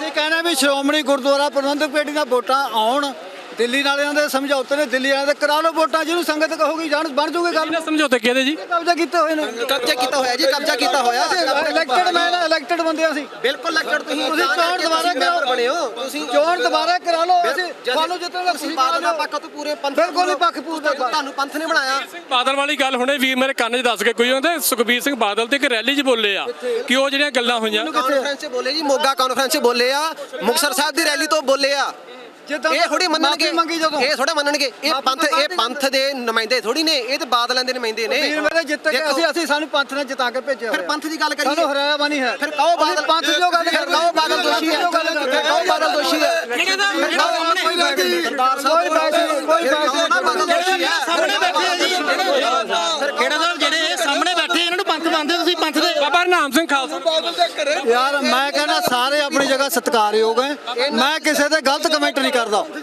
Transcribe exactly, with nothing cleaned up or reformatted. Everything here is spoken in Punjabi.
ਅਸੀਂ ਕਹਿੰਦੇ ਵੀ ਸ਼੍ਰੋਮਣੀ ਗੁਰਦੁਆਰਾ ਪ੍ਰਬੰਧਕ ਕਮੇਟੀ ਦੀਆਂ ਵੋਟਾਂ ਆਉਣ, ਦਿੱਲੀ ਵਾਲਿਆਂ ਦੇ ਸਮਝੌਤੇ ਨੇ, ਦਿੱਲੀ ਵਾਲਿਆਂ ਦੇ ਕਰਾ ਲਓ ਵੋਟਾਂ, ਜਿਹਨੂੰ ਸੰਗਤ ਕਹੂਗੀ ਜਾਣ ਬਣ ਜੂਗੀ ਗੱਲ। ਇਹਨਾਂ ਸਮਝੌਤੇ ਕਿਹਦੇ ਜੀ? ਕਬਜ਼ਾ ਕੀਤੇ ਹੋਏ ਨੇ, ਕਬਜ਼ਾ ਕੀਤਾ ਹੋਇਆ ਜੀ, ਕਬਜ਼ਾ ਕੀਤਾ ਹੋਇਆ। ਇਲੈਕਟਡ ਮੈਂ ਇਲੈਕਟਡ ਬੰਦੇ ਅਸੀਂ। ਬਿਲਕੁਲ ਇਲੈਕਟਡ ਤੁਸੀਂ ਤੁਸੀਂ ਚੋਣ ਦੁਬਾਰਾ ਮੈਂਬਰ ਬਣੇ ਹੋ, ਤੁਸੀਂ ਚੋਣ ਦੁਬਾਰਾ ਕਰਾ ਲਓ, ਅਸੀਂ ਤੁਹਾਨੂੰ ਜਿੱਤਣ ਦਾ ਤੁਸੀਂ ਬਾਦਲ ਦਾ ਪੱਖ ਤੋਂ ਪੂਰੇ ਪੰਥ ਬਿਲਕੁਲ ਨਹੀਂ ਪੱਖ ਪੂਰਦਾ, ਤੁਹਾਨੂੰ ਪੰਥ ਨੇ ਬਣਾਇਆ। ਬਾਦਲ ਵਾਲੀ ਗੱਲ ਹੁਣੇ ਵੀਰ ਮੇਰੇ ਕੰਨ 'ਚ ਦੱਸ ਕੇ ਕੋਈ ਉਹਦੇ ਸੁਖਬੀਰ ਸਿੰਘ ਬਾਦਲ ਤੇ ਇੱਕ ਰੈਲੀ 'ਚ ਬੋਲੇ ਆ ਕਿ ਉਹ ਜਿਹੜੀਆਂ ਗੱਲਾਂ ਹੋਈਆਂ ਕਾਨਫਰੰਸ 'ਚ ਬੋਲੇ ਜੀ, ਮੋਗਾ ਕਾਨਫਰੰਸ 'ਚ ਬੋਲੇ ਆ, ਮੁਕਤਸਰ ਸਾਹਿਬ ਦੀ ਰੈਲੀ ਤੋਂ ਬੋਲੇ ਆ। ਇਹ ਥੋੜੀ ਮੰਨਣਗੇ, ਇਹ ਥੋੜਾ ਮੰਨਣਗੇ, ਇਹ ਪੰਥ ਇਹ ਪੰਥ ਦੇ ਨੁਮਾਇੰਦੇ ਥੋੜੀ ਨੇ, ਇਹ ਤੇ ਬਾਦਲਾਂ ਦੇ ਨੁਮਾਇੰਦੇ ਨੇ। ਵੀਰ ਮੇਰੇ ਜਿੱਤ ਕੇ ਅਸੀਂ ਅਸੀਂ ਸਾਨੂੰ ਪੰਥ ਨੇ ਜਿਤਾ ਕੇ ਭੇਜਿਆ। ਫਿਰ ਪੰਥ ਦੀ ਗੱਲ ਕਰੀਏ, ਸਾਨੂੰ ਹਰਾਇਆ ਬਣੀ ਹੈ। ਫਿਰ ਕਹੋ ਬਾਦਲ ਪੰਥ ਦੀ ਗੱਲ ਫਿਰ ਕਹੋ ਬਾਦਲ ਦੋਸ਼ੀ ਹੈ, ਫਿਰ ਕਹੋ ਬਾਦਲ ਦੋਸ਼ੀ ਹੈ। ਕੋਈ ਬਾਤ ਨਹੀਂ, ਕੋਈ ਬਾਦਲ ਦੋਸ਼ੀ ਹੈ। ਸਾਹਮਣੇ ਬੈਠੇ ਆ ਜੀ, ਫਿਰ ਕਿਹੜਾ ਸਾਹਿਬ ਜਿਹੜੇ ਸਾਹਮਣੇ ਬੈਠੇ ਇਹਨਾਂ ਨੂੰ ਪੰਥ ਮੰਨਦੇ ਤੁਸੀਂ? ਪੰਥ ਦੇ ਬਾਬਾ ਹਰਨਾਮ ਸਿੰਘ ਖਾਲਸਾ। ਯਾਰ ਮੈਂ ਕਹਿੰਦਾ ਸਾਰੇ ਆਪਣੀ ਜਗ੍ਹਾ ਸਤਿਕਾਰਯੋਗ ਹੈ, ਮੈਂ ਕਿਸੇ ਤੇ ਗਲਤ ਕਮੈਂਟ ਨਹੀਂ ਕਰਦਾ।